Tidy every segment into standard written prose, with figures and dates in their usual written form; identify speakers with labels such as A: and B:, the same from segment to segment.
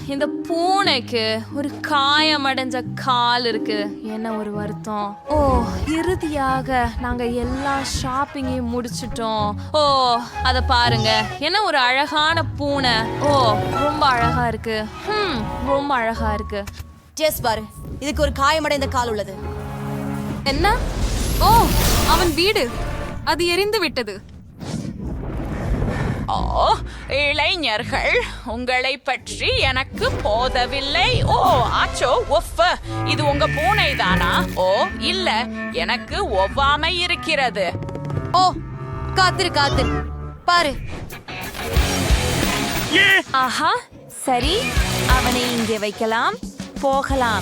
A: இந்த பூனைக்கு ஒரு காயமடைஞ்ச கால் இருக்கு. என்ன ஒரு வருத்தம். ஓ, இறுதியாக நாங்க எல்லா ஷாப்பிங்கையும் முடிச்சிட்டோம். ஓ, அத பாருங்க, என்ன ஒரு அழகான பூனை. ஓ, ரொம்ப அழகா இருக்கு. ரொம்ப அழகா இருக்கு.
B: ஜெஸ் பாரு, இதுக்கு ஒரு காயமடைந்த கால் உள்ளது.
A: என்ன? ஓ, அவன் வீடு அது எரிந்து விட்டது.
C: ஓ, இளைஞர்கள், உங்களை பற்றி எனக்கு போதவில்லை. ஓ, ஆச்சோ, ஒஃப், இது உங்க பூனை தானா? ஓ, இல்ல, எனக்கு ஒவ்வாமை இருக்கிறது.
B: ஓ, காத்திரு காத்திரு, பாரு.
A: ஆஹா, சரி, அவனை இங்கே வைக்கலாம். போகலாம்.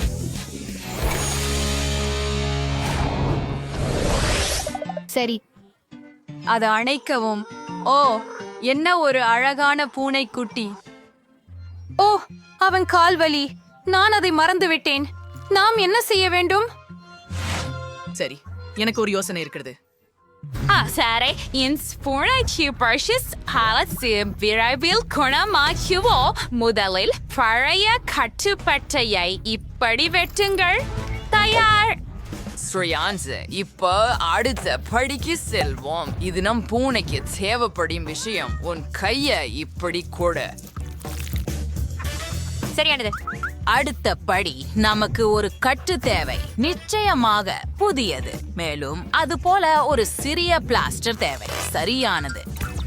B: சரி,
A: அதை அணைக்கவும். ஓ, என்ன ஒரு அழகான பூனைக்குட்டி. ஓ, அவன் கால்வலி. நான் அதை மறந்துவிட்டேன். நாம் என்ன செய்ய வேண்டும்?
D: சரி, எனக்கு ஒரு யோசனை இருக்கிறது.
A: சரி, என் பூனைக்கு பர்ஷஸ் ஹாலசி விரைவில் குணமாக்குவோ. முதலில் பழைய கட்டுப்பட்டையை இப்படி வெட்டுங்கள். தயார்.
D: ஸ்ரேயான்ஸ், இப்போ அடுத்த படிக்கு செல்வோம். இது நம் பூனைக்கு தேவைப்படும் விஷயம். உன் கைய இப்படி கொடு.
B: சரியானது.
D: அடுத்த படி, நமக்கு ஒரு கட்டு தேவை. நிச்சயமாக புதியது. மேலும் அது போல ஒரு சிறிய பிளாஸ்டர் தேவை. சரியானது.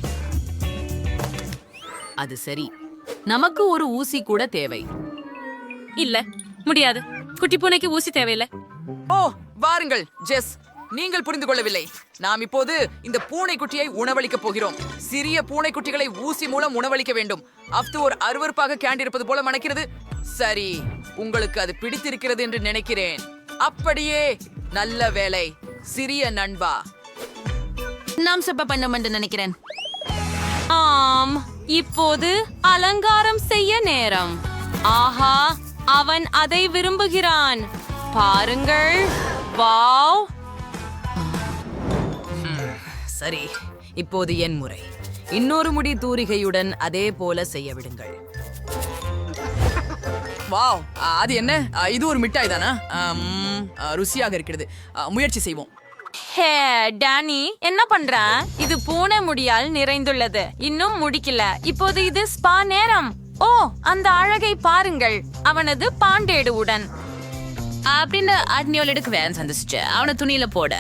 D: அது சரி, நமக்கு ஒரு ஊசி கூட தேவை.
A: இல்ல, முடியாது. குட்டி பூனைக்கு ஊசி தேவையில்லை.
D: ஓ, வாருங்கள் ஜெஸ், நீங்கள் புரிந்து கொள்ளவில்லை. நாம் இப்போது இந்த பூனைக்குட்டியை உணவளிக்கப் போகிறோம். சிறிய பூனைக்குட்டிகளை ஊசி மூலம் உணவளிக்க வேண்டும். அஃது ஒரு அருவருப்பாக கேண்டிருப்பது போல மணக்கிறது. சரி, உங்களுக்கு அது பிடித்திருக்கிறது என்று நினைக்கிறேன். அப்படியே, நல்ல வேலை சிறிய நண்பா.
B: நாம் செப்ப பண்ணோம் என்று நினைக்கிறேன்.
A: ஆம், இப்போது அலங்காரம் செய்ய நேரம். ஆஹா, அவன் அதை விரும்புகிறான். பாருங்கள். வாவ்.
D: சரி, இப்போது என் முறை. இன்னொரு முடி தூரிகையுடன் அதே போல செய்ய விடுங்கள். வாவ், அது என்ன? இது ஒரு மிட்டாய் தானா? ருசியாக இருக்கிறது. முயற்சி செய்வோம்.
A: ஹே டானி, என்ன பண்ற? இது பூனை முடியால் நிறைந்துள்ளது. இன்னும் முடிக்கல. இப்போது இது ஸ்பா நேரம். ஓ, அந்த அழகை பாருங்கள், அவனது பாண்டேடுவுடன்.
D: அப்படின்னு அட்னியோலிடுக்கு வேன் சந்திச்சு அவனை துணியில போட.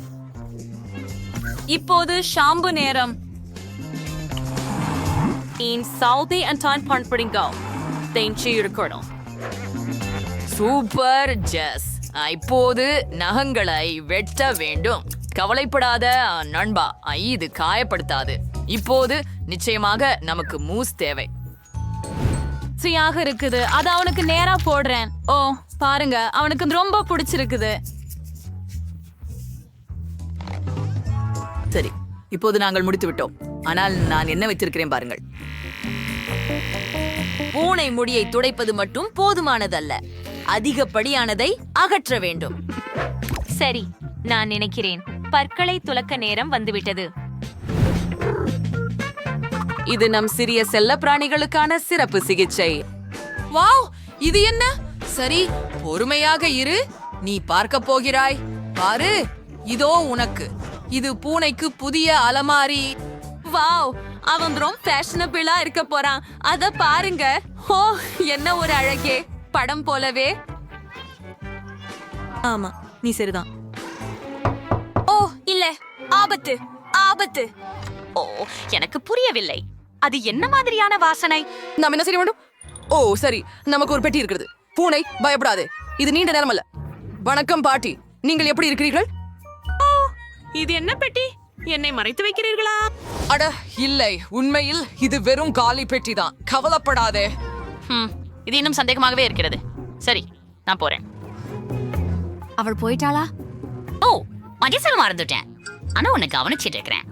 A: இப்போது ஷாம்பு நேரம்.
D: Super Jess. இப்போது நகங்களை வெட்ட வேண்டும். கவலைப்படாத நண்பா, இது காயப்படுத்தாது. இப்போது நிச்சயமாக நமக்கு மூஸ் தேவை.
A: ருசியாக இருக்குது. அது அவனுக்கு நேரா போடுறேன். ஓ, பாருங்க, அவனுக்கு ரொம்ப பிடிச்சிருக்குது.
D: சரி, இப்போது நாங்கள் முடித்து விட்டோம். ஆனால் நான் என்ன வைத்திருக்கிறேன் பாருங்கள்.
B: பூனை முடியை துடைப்பது மட்டும் போதுமானதல்ல. அதிகப்படியானதை அகற்ற வேண்டும்.
A: சரி, நான் நினைக்கிறேன் பற்களை துலக்க நேரம் வந்துவிட்டது.
D: இது நம் சிறிய செல்ல பிராணிகளுக்கான சிறப்பு சிகிச்சை.
B: வாவ், இது என்ன?
D: சரி, பொறுமையாக இரு. நீ பார்க்க போகிறாய். பாரு, இதோ உனக்கு. இது பூனைக்கு புதிய அலமாரி.
A: வாவ், அவன் ரொம்ப ஃபேஷனபிளா இருக்க போறான். அத பாருங்க. ஓ, என்ன ஒரு அழகே, படம் போலவே.
B: ஆமா, நீ சரிதான்.
A: ஓ, இல்ல, ஆபத்து, ஆபத்து. ஓ, எனக்கு புரியவில்லை. அது என்ன மாதிரியான வாசனை?
D: நாம் என்ன செய்ய வேண்டும்? ஓ, சரி, நமக்கு ஒரு பெட்டி இருக்கிறது. பூனை, பயப்படாதே. இது நீண்ட நேரம் அல்ல. வணக்கம் பாட்டி, நீங்கள் எப்படி இருக்கிறீர்கள்?
A: இது என்ன பெட்டி? என்னை மறைத்து வைக்கிறீர்களா?
D: அட இல்லை, உண்மையில் இது வெறும் காலி பெட்டி தான். கவலைப்படாதே.
C: இது இன்னும் சந்தேகமாகவே இருக்கிறது. சரி, நான் போறேன்.
B: அவள் போயிட்டாளா?
C: ஓ, மகேசல் மறந்துட்டேன். ஆனா உன்னை கவனிச்சிட்டு இருக்கிறேன்.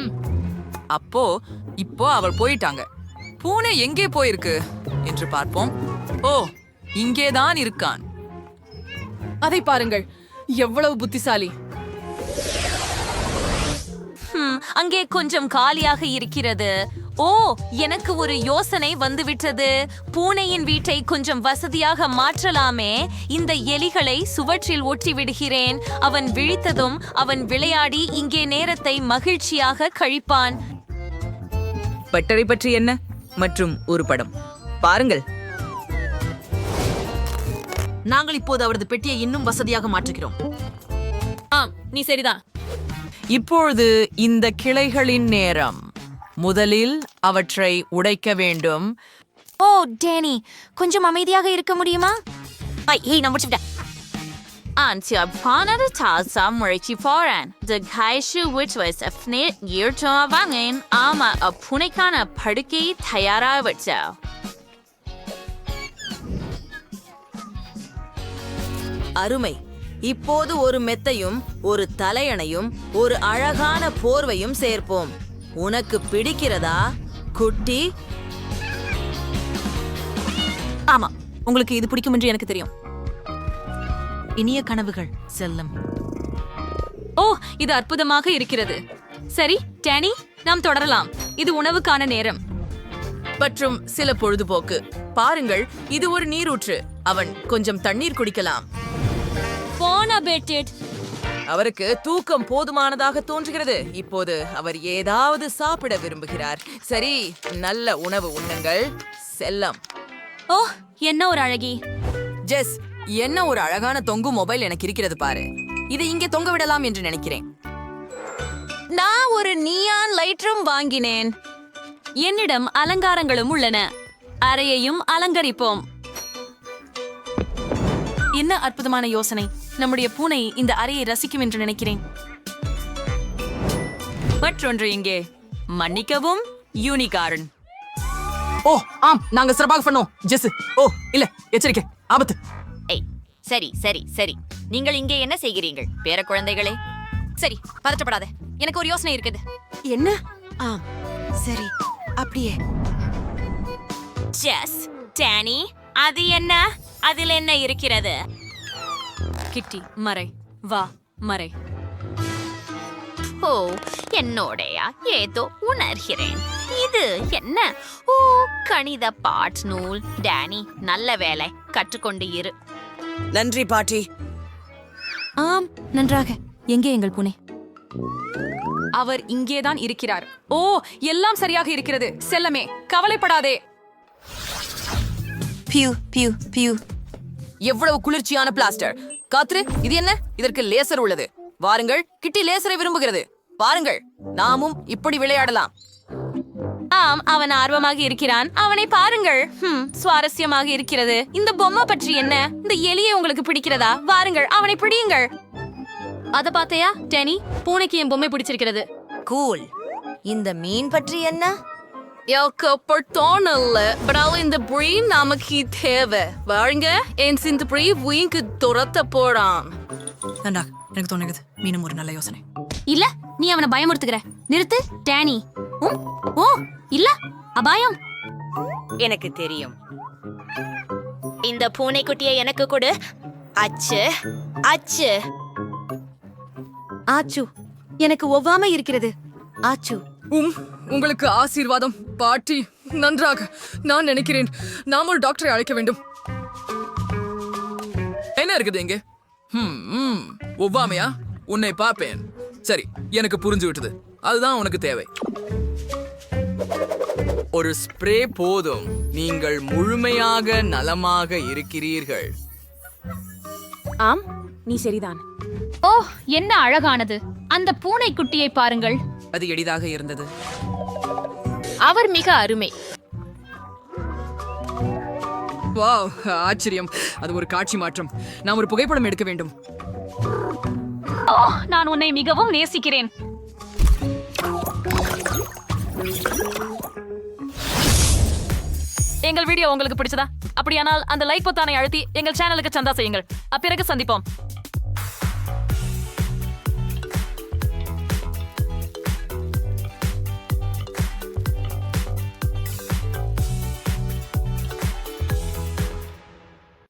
D: இப்போ அவள் போயிட்டாங்க. பூனை எங்கே போயிருக்கு என்று பார்ப்போம். ஓ, இங்கேதான் இருக்கான். அதை பாருங்கள், எவ்வளவு புத்திசாலி.
A: அங்கே கொஞ்சம் காலியாக இருக்கிறது.
B: ஓ, எனக்கு ஒரு யோசனை வந்துவிட்டது. பூனையின் வீட்டை கொஞ்சம் வசதியாக மாற்றலாமே. இந்த எலிகளை சுவற்றில் ஒட்டி விடுகிறேன். அவன் விழித்ததும் அவன் விளையாடி இங்கே நேரத்தை மகிழ்ச்சியாக கழிப்பான்.
E: பட்டறை பற்றி என்ன மற்றும் ஒரு படம் பாருங்கள்.
B: நாங்கள் இப்போது அவரது பெட்டியை இன்னும் வசதியாக மாற்றுகிறோம்.
A: ஆம், நீ சரிதான்.
D: இப்பொழுது இந்த கிளைகளின் நேரம். முதலில் அவற்றை உடைக்க வேண்டும்.
B: ஓ டேனி, கொஞ்சம் அமைதியாக இருக்க முடியுமா? ஏய், நான் முடிச்சுட்டேன்.
C: Antiabhanada tasa murichi foran. The gaishu which was a fnit year to avangin ama a punikana padiki tayara vitso.
B: அருமை. இப்போது ஒரு மெத்தையும் ஒரு தலையணையும் ஒரு அழகான போர்வையும் சேர்ப்போம். உனக்கு பிடிக்கிறதா குட்டி?
A: ஆமா, உங்களுக்கு இது பிடிக்கும் என்று எனக்கு தெரியும்.
B: இனிய கனவுகள் செல்லம்.
A: ஓ, இது அற்புதமாக இருக்கிறது. சரி டேனி, நாம் தொடரலாம். இது உணவுக்கான நேரம்.
D: மற்றும் சில பொழுதுபோக்கு. பாருங்கள், இது ஒரு நீரூற்று. அவன் கொஞ்சம் தண்ணீர் குடிக்கலாம். அவருக்கு தூக்கம் போதுமானதாக தோன்றுகிறது. இப்போது அவர் ஏதாவது சாப்பிட விரும்புகிறார். சரி, நல்ல உணவு உண்ணுங்கள் செல்லம்.
A: ஓ, என்ன ஒரு அழகி.
D: ஜெஸ், என்ன ஒரு அழகான தொங்கும் மொபைல் எனக்கு இருக்கிறது பாரு. இதை இங்கே தொங்க விடலாம் என்று நினைக்கிறேன்.
B: நான் ஒரு நியான் லைட்ரும் வாங்கினேன்.
A: என்னிடம் அலங்காரங்களும் உள்ளன. அறையையும் அலங்கரிப்போம். என்ன அற்புதமான யோசனை. நம்முடைய பூனை இந்த அறையை ரசிக்கும் என்று நினைக்கிறேன்.
B: மற்றொன்று இங்கே. மன்னிக்கவும், யூனிகார்ன்.
D: ஓ ஆம், நாங்க சிறப்பாக பண்ணோம். ஜெஸ், ஓ இல்ல, எச்சரிக்கை, ஆபத்து.
B: ஏய், சரி சரி சரி, நீங்கள் இங்கே என்ன செய்கிறீர்கள் பேர குழந்தைகளே?
A: சரி, பதற்றப்படாத. எனக்கு ஒரு யோசனை இருக்குது.
B: என்ன? ஆம், சரி, அப்படியே. ஜெஸ், டேனி, அது என்ன? அதில் என்ன இருக்கிறது?
A: கிட்டி, மறை. வா, மறை.
C: ஓ, என்னோடைய ஏதோ உணர்கிறேன். இது என்ன? ஓ, கணித பாட் நூல். டேனி, நல்ல வேலை, கற்றுக்கொண்டு இரு.
D: நன்றி பாட்டி.
A: ஆம், நன்றாக. எங்கே எங்கள் பூனை? அவர் இங்கேதான் இருக்கிறார். ஓ, எல்லாம் சரியாக இருக்கிறது. செல்லமே, கவலைப்படாதே.
B: பியூ பியூ பியூ.
D: எவ்வளவு குளிர்ச்சியான பிளாஸ்டர். காத்ரு, இது என்ன? இதற்கு லேசர் உள்ளது. வாருங்கள், கிட்டி லேசரை விரும்புகிறது. பாருங்கள், நாமும் இப்படி விளையாடலாம்.
A: ஆம், அவன் ஆர்வமாக இருக்கிறான். அவனை பாருங்கள். சுவாரஸ்யமாக இருக்கிறது. இந்த பொம்மை பற்றி என்ன? இந்த எலியை உங்களுக்கு பிடிக்கிறதா? வாருங்கள், அவனை பிடியுங்கள். அத பாத்தையா டேனி? பூனைக்கு என் பொம்மை பிடிச்சிருக்கிறது.
B: கூல். இந்த மீன் பற்றி என்ன?
A: இந்த பிரீன் நமக்கு தேவை. வாருங்க, என் சிந்து பிரீ வீங்கு துரத்த போறான்.
D: நன்றா, எனக்கு தோணுகிறது மீனும் ஒரு நல்ல யோசனை.
A: இல்ல, நீ அவனை பயமுறுத்துகிற. நிறுத்து டேனி. ஓ இல்ல, அபாயம்.
B: எனக்கு தெரியும். இந்த பூனைக்குட்டியை எனக்கு கொடு. அச்சு அச்சு. ஆச்சு, எனக்கு ஒவ்வாமை இருக்கிறது. ஆச்சு.
D: உங்களுக்கு ஆசீர்வாதம் பாட்டி. நன்றாக. நான் நினைக்கிறேன் நாம் ஒரு டாக்டரை அழைக்க வேண்டும். என்ன இருக்குது இங்க? ஒவ்வாமையா? உன்னை பார்ப்பேன். சரி, எனக்கு புரிஞ்சு விட்டது. அதுதான் உனக்கு தேவை. ஒரு ஸ்ப்ரே போதும். நீங்கள் முழுமையாக நலமாக இருக்கிறீர்கள்.
A: ஆம், நீ சரிதான். ஓ, என்ன அழகானது. அந்த பூனைக்குட்டியை பாருங்கள்.
D: அது எளிதாக இருந்தது.
A: அவர் மிக அருமை.
D: வாவ், ஆச்சரியம். அது ஒரு காட்சி மாற்றம். நாம் ஒரு புகைப்படம் எடுக்க வேண்டும்.
A: ஓ, நான் உன்னை மிகவும் நேசிக்கிறேன். எங்கள் வீடியோ உங்களுக்கு பிடிச்சதா? அப்படியானால் அந்த லைக் பொத்தானை அழுத்தி எங்கள் சேனலுக்கு சந்தா செய்யுங்கள். அப்பிறகு சந்திப்போம்.